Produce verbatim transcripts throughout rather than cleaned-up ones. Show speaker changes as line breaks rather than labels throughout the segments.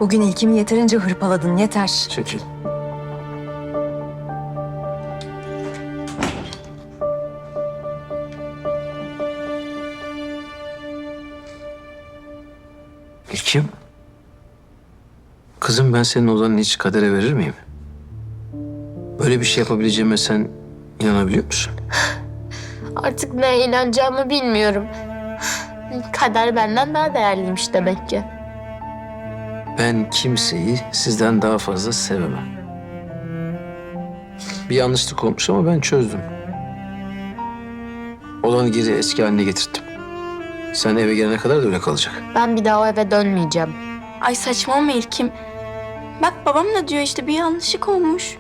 Bugün ilkimi yeterince hırpaladın, yeter.
Çekil. İlkim. Kızım, ben senin odanı hiç kadere verir miyim? Böyle bir şey yapabileceğime sen inanabiliyor musun?
Artık neye inanacağımı bilmiyorum. Kader benden daha değerliymiş demek ki.
Ben kimseyi sizden daha fazla sevemem. Bir yanlışlık olmuş ama ben çözdüm. Olanı geri eski haline getirttim. Sen eve gelene kadar da öyle kalacak.
Ben bir daha o eve dönmeyeceğim.
Ay saçmalama İlkim. Bak babam da diyor işte bir yanlışlık olmuş.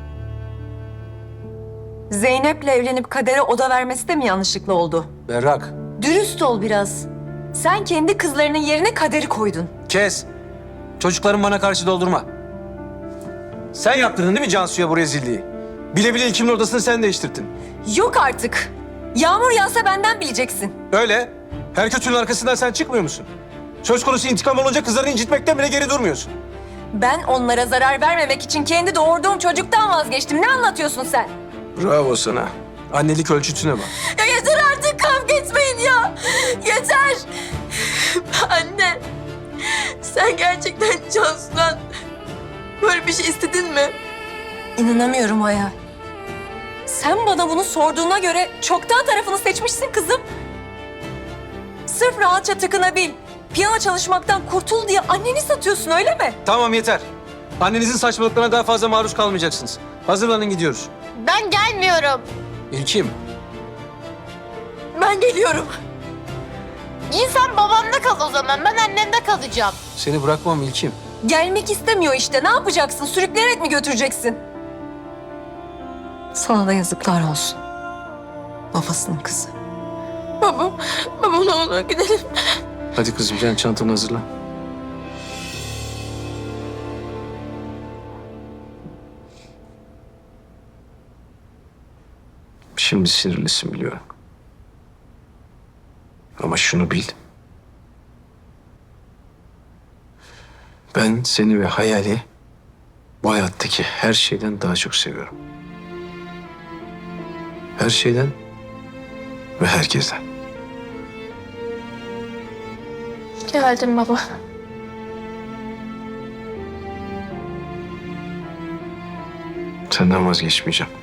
Zeynep'le evlenip Kader'e oda vermesi de mi yanlışlıkla oldu?
Berrak.
Dürüst ol biraz. Sen kendi kızlarının yerine Kader'i koydun.
Kes. Çocuklarım bana karşı doldurma. Sen yaptırdın değil mi Cansu'ya bu rezilliği? Bile bile İlkim'in odasını sen değiştirdin.
Yok artık. Yağmur yağsa benden bileceksin.
Öyle. Her kötünün arkasından sen çıkmıyor musun? Söz konusu intikam olunca kızlarını incitmekten bile geri durmuyorsun.
Ben onlara zarar vermemek için kendi doğurduğum çocuktan vazgeçtim. Ne anlatıyorsun sen?
Bravo sana. Annelik ölçütüne bak.
Ya yeter artık, kavga etmeyin ya. Yeter. Anne, sen gerçekten Cansu'dan böyle bir şey istedin mi?
İnanamıyorum Hayal. Sen bana bunu sorduğuna göre çoktan tarafını seçmişsin kızım. Sırf rahatça tıkınabil, piyano çalışmaktan kurtul diye anneni satıyorsun öyle mi?
Tamam yeter. Annenizin saçmalıklarına daha fazla maruz kalmayacaksınız. Hazırlanın gidiyoruz.
Ben gelmiyorum.
İlkim.
Ben geliyorum. İnsan babamda kal o zaman. Ben annemde kalacağım.
Seni bırakmam İlkim.
Gelmek istemiyor işte. Ne yapacaksın? Sürükleyerek mi götüreceksin? Sana da yazıklar olsun. Babasının kızı.
Babam, babam ne olur gidelim.
Hadi kızım, sen çantanı hazırla. Şimdi sinirlisin biliyorum. Ama şunu bil. Ben seni ve Hayal'i bu hayattaki her şeyden daha çok seviyorum. Her şeyden ve herkesten.
Geldim baba.
Senden vazgeçmeyeceğim.